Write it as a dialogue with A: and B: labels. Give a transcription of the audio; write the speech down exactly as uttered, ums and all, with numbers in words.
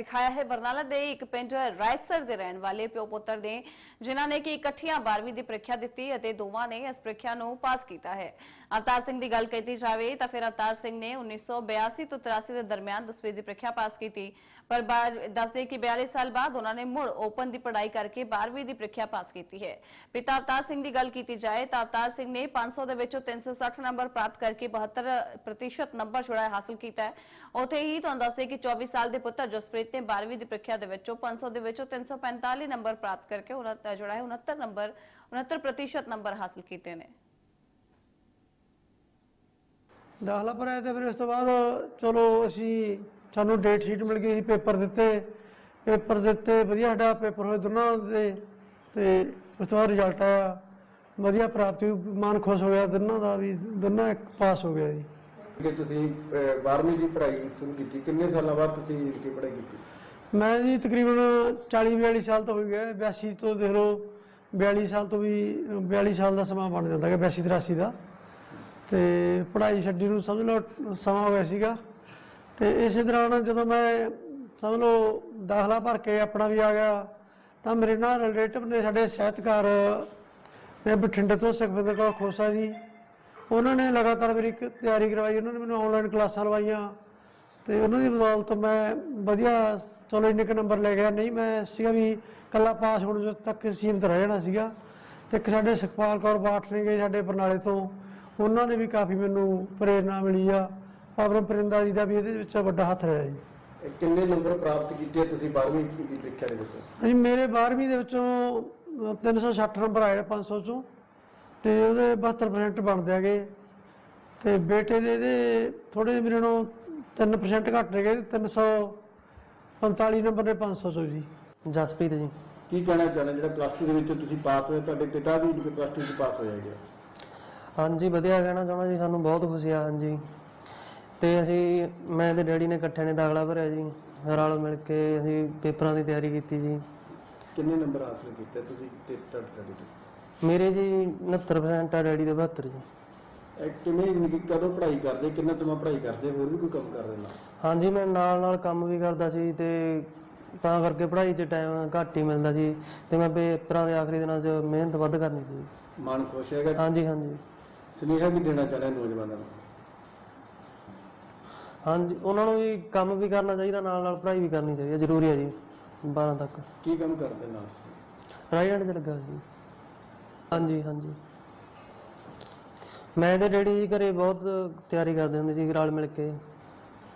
A: दिखाया है। बरनाला दे एक पिंड रायसर दे रहने वाले प्यो पुत्र ने जिन्हां ने कि इकट्ठियां बारहवीं की प्रीख्या दी और दोवां ने इस प्रीख्या नूं पास किया है। अवतार सिंह की गल की जाए तो फिर अवतार सिंह ने उन्नीस सौ बयासी तो तिरासी के दरमियान दसवीं की प्रीख्या पास की, पर दस दे कि बयालीस साल बाद उन्होंने मुड़ ओपन की पढ़ाई करके बारहवीं की प्रीख्या पास की है। पिता अवतार सिंह की गल की जाए तो अवतार सिंह ने पांच सौ के तीन सौ सठ नंबर प्राप्त करके बहत्तर प्रतिशत नंबर जोड़ा हासिल किया है। उत्थे ही तुहानूं दस दे कि चौबीस साल के पुत्र जसप्रीत ने बारहवीं की प्रीख्या पांच सौ के तीन सौ पैंताली नंबर प्राप्त करके जोड़ा है उनहत्तर नंबर उनहत्तर प्रतिशत नंबर हासिल किए हैं।
B: दाखला भराया तो फिर उस तो बाद चलो असी सानू डेट शीट मिल गई, पेपर दिते पेपर दिते वधिया साडा पेपर होए दोनों दे ते उस तो बाद रिजल्ट आया वधिया प्राप्ति, मन खुश हो गया दोनों का भी दोनों एक पास हो गया जी।
C: कि तुसीं बारहवीं की पढ़ाई शुरू की कितने साल बाद तुसीं इनकी पढ़ाई की? मैं
B: जी तकरीबन चाली बयाली साल तो हो गया, बयासी तो देख लो बयाली साल तो भी बयाली साल का समा बन जाता है बयासी तिरासी का। तो पढ़ाई छड्डी नूं समझ लो समा हो गया सीगा। तो इस दौरान जो मैं समझ लो दाखला भर के अपना भी आ गया तो मेरे ना रिलेटिव ने साढ़े ਸਾਹਿਤਕਾਰ ने बठिंडे तो सुखविंदर कौर खोसा जी, उन्होंने लगातार मेरी तैयारी करवाई, उन्होंने मैंने ऑनलाइन क्लासां लवाइया तो उन्होंने बदौलत मैं वधिया चलो इन्ने क नंबर ले गया। नहीं मैं सीगा भी कला पास होने तक सीमित रह जाना सीगा। तो एक साढ़े सुखपाल कौर बाठ ने गए साढ़े बरनाले तो, उन्होंने भी काफ़ी मैनू प्रेरणा मिली आ। पावन परिंदा जी का भी ये बड़ा हथ रहा जी।
C: कितने नंबर प्राप्त किए तुसीं बारहवीं की प्रीख्या दे विच?
B: जी मेरे बारहवीं दे विचों तीन सौ सठ नंबर आए पाँच सौ चों तो वो बहत्तर परसेंट बनते गए। तो बेटे दे थोड़े मेरे नौ तीन परसेंट घट रह गए, तीन सौ पंताली नंबर ने पाँच सौ चो जी।
D: जसप्रीत जी
C: की कहना चाहना जो प्लस टू के पास होए, तुहाडे पिता भी प्लस टू पास हो जाएगा?
D: हाँ जी वधिया कहना चाहना जी, सानू बहुत खुशी आ। हाँ जी तो असी मैं ते डैडी ने इकट्ठे ने दाखला भरिया जी, रल मिल के असी पेपरां की तैयारी की जी।
C: कितने नंबर हासिल किए तुसीं ते डैडी तो?
D: मेरे जी उनहत्तर परसेंट आ, डैडी दे बहत्तर जी।
C: किवें कदों पढ़ाई करदे, कितना समा पढ़ाई करदे, होर भी कोई काम कर रहे ना?
D: हाँ जी मैं नाल नाल काम भी करदा सी ते तां करके पढ़ाई च टाइम घट ही मिलदा सी ते मैं पेपरां दे आखिरी दिनां च मेहनत वध करनी सी।
C: मन खुश हैगा?
D: हाँ जी हाँ जी।
C: सुनेहा की देना चाहना नौजवानों को?
D: हाँ जी उन्होंने भी काम भी करना चाहिए, नाल नाल पढ़ाई भी करनी चाहिए, जरूरी है जी बारह तक।
C: की काम करते नाल?
D: राइट च लगा जी। हाँ जी हाँ जी मैं तो डैडी जी घरे बहुत तैयारी करते होंगे जी, रल मिल के।